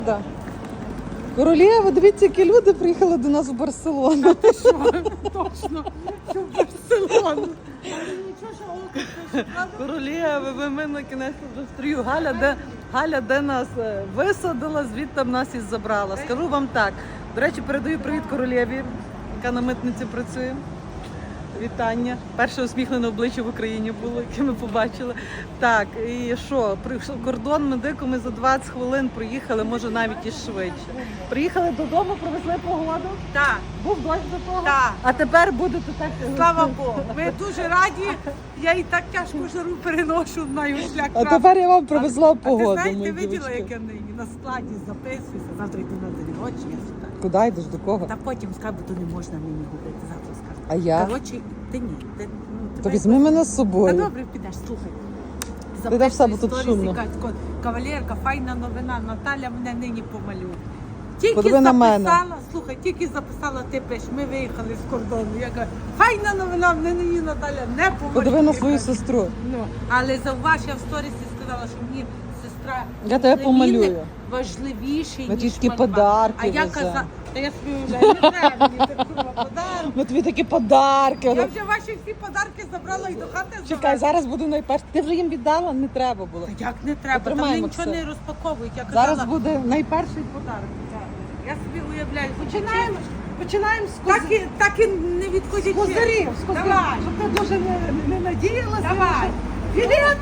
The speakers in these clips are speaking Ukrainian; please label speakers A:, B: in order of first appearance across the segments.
A: Да. Королєва, дивіться, які люди приїхали до нас в Барселону.
B: Що? Точно, що в Барселону. Нічого, що око, правда?
A: Королєва, ми на кінець вже в стрію. Галя де нас висадила, звідти нас і забрала. Скажу вам так. До речі, передаю привіт королєві, яка на митниці працює. Вітання. Перше усміхнене обличчя в Україні було, яке ми побачили. Так, і що? Кордон ми дико, ми за 20 хвилин проїхали, може навіть і швидше. Приїхали додому, провезли погоду.
B: Так,
A: Був дощ до того.
B: так.
A: А тепер будете так.
B: Слава Богу. Ми дуже раді. Я і так тяжко жару переношу на шлях.
A: А тепер я вам привезла
B: А
A: погоду.
B: ти знаєш,
A: мої
B: ти виділа,
A: дівчатки.
B: як я на складі записуюся. Завтра йду на день народження сюди.
A: Куди йдеш, до кого?
B: Та потім скажу, бо то не можна мені говорити. Завтра скажу.
A: А я?
B: Коротше, ти ні.
A: То візьми мене з
B: Та
A: собою.
B: добре, підеш, слухай.
A: Ти де все, бо тут
B: Записуй
A: шумно.
B: сторіс, якась кавалерка, файна новина, Наталя мене нині помалює. Тільки
A: Подиви на мене.
B: записала, слухай, тільки записала, ти пиш, ми виїхали з кордону. Я кажу, файна новина, мене нині Наталя не помалює.
A: Подиви на свою сестру.
B: Ну, але зауваж, я в сторісі сказала, що мені сестра
A: Я тебе помалюю.
B: важливіший,
A: Ми тобі
B: ніж
A: такі
B: мальба.
A: подарки
B: А я
A: веземо.
B: казала, та я собі уявляю, не треба мені так курва подарунки.
A: Ми тобі такі подарки.
B: Я вже ваші всі подарки забрала і до хати
A: Чекай,
B: завезла.
A: зараз буду найперше. Ти вже їм віддала? Не треба було.
B: Та як не треба, там
A: Потримаємо
B: вони нічого
A: все.
B: не розпаковують. Я казала,
A: Зараз буде найперший подарок.
B: я собі уявляю,
A: Починаємо з
B: так і не відходячи.
A: козирів.
B: Давай.
A: Щоб ти дуже не надіялася.
B: Давай.
A: Білети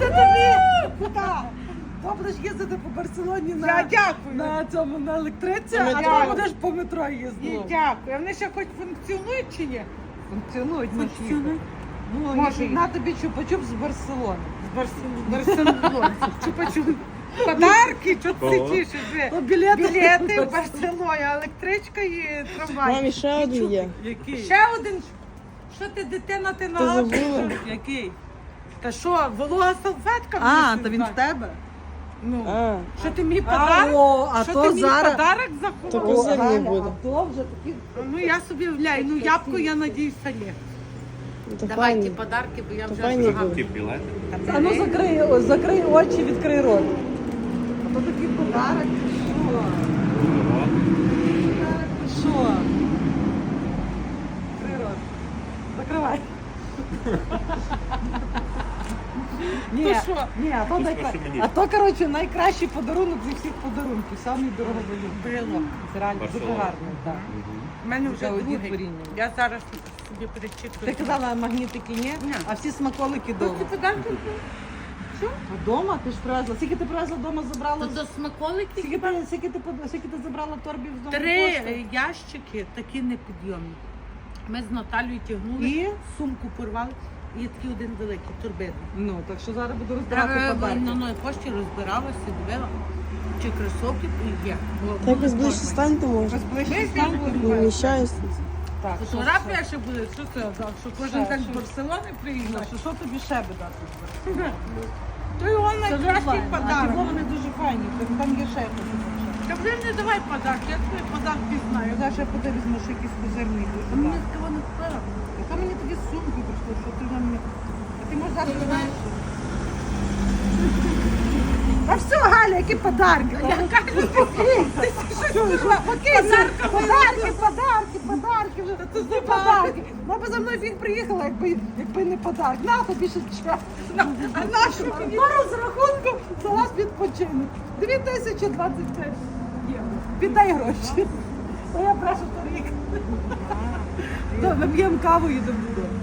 A: тобі! Так. То будеш їздити по Барселоні
B: Я дякую.
A: на цьому на електриці,
B: На
A: а
B: метро.
A: то будеш по метро
B: Ні,
A: їздити.
B: дякую. А вони ще хоч функціонують чи ні?
A: Функціонують
B: Функціонують.
A: Ну,
B: Може,
A: на тобі чупа-чуп з Барселони.
B: З Барселони. Чупа-чуп. Подарки, що ти тішиш?
A: То білети.
B: Білети в Барселоні, електричка і трамвай.
C: Мамі ще один є.
A: Який?
B: Ще один. Що ти, дитина, ти на
C: забула?
A: Який?
B: Та що, волога салфетка?
A: А,
B: мені
A: то він в
B: сюди?
A: тебе?
B: Ну,
C: А,
B: що ти мені подарок?
A: А
B: Що
A: то
B: ти мені
A: зараз...
B: подарок
C: То
B: заховав?
C: козир не
A: Галя,
C: буде.
A: А то вже такі...
B: Ну я собі вляю, ну ябко, я надіюсь, є.
C: то
B: Давайте
C: файні.
B: подарки, бо я
C: То
B: вже
C: файні
B: прогав.
C: будуть.
A: А ну закрий очі, відкрий рот. А то такий подарок. Що? Що? Відкрий рот. Закривай. Ні,
B: То що?
A: ні, а то, коротше, найкращий подарунок зі всіх подарунків. Самий дороговелюбний.
B: Брелок.
A: Це реально дуже гарний, так.
B: У мене вже
A: Вже одні
B: другий.
A: творіння.
B: Я зараз собі перечитую.
A: Ти казала, магнітики ні,
B: Ні.
A: а всі смаколики
B: Ці
A: вдома.
B: подарки?
A: Вдома? Ти ж привезла. Скільки ти привезла вдома, забрала?
B: До смаколиків?
A: Скільки ти забрала торбів з дому?
B: 3 ящики такі непідйомні. Ми з Наталією тягнули,
A: І?
B: сумку порвали, і такий один великий турбин.
A: Ну, так що зараз буду розбирати
B: Я
A: подарки.
B: на новій пошті розбиралася, дивила, чи кросовки є.
C: Так якось ближче станьте може. Не вміщаюсь.
A: Так, що
B: Фотографія ще буде, що це, що кожен
A: Ще,
B: день
A: що?
B: з Барселони приїхав.
A: що тобі ще би дати?
B: То його найкращий
A: А
B: подарок.
A: ті вони дуже файні, там є ще якось.
B: Та вже не давай подарок, я твої подарки знаю.
A: Зараз я подивлюсь, візьму ще якийсь козирний.
B: А мені такого не впала.
A: Яка мені тоді сумку прийшло, що ти на мене... А ти можеш дати знаєш? А все, Галя, які подарки? Подарки. Це не подарки. Вона б за мною фіг приїхала, якби не подарок. На тобі ще час. А нашу по розрахунку за вас відпочинок. 2025 євро. Віддай гроші. То я прошу торік. Ми п'ємо каву і йдемо додому.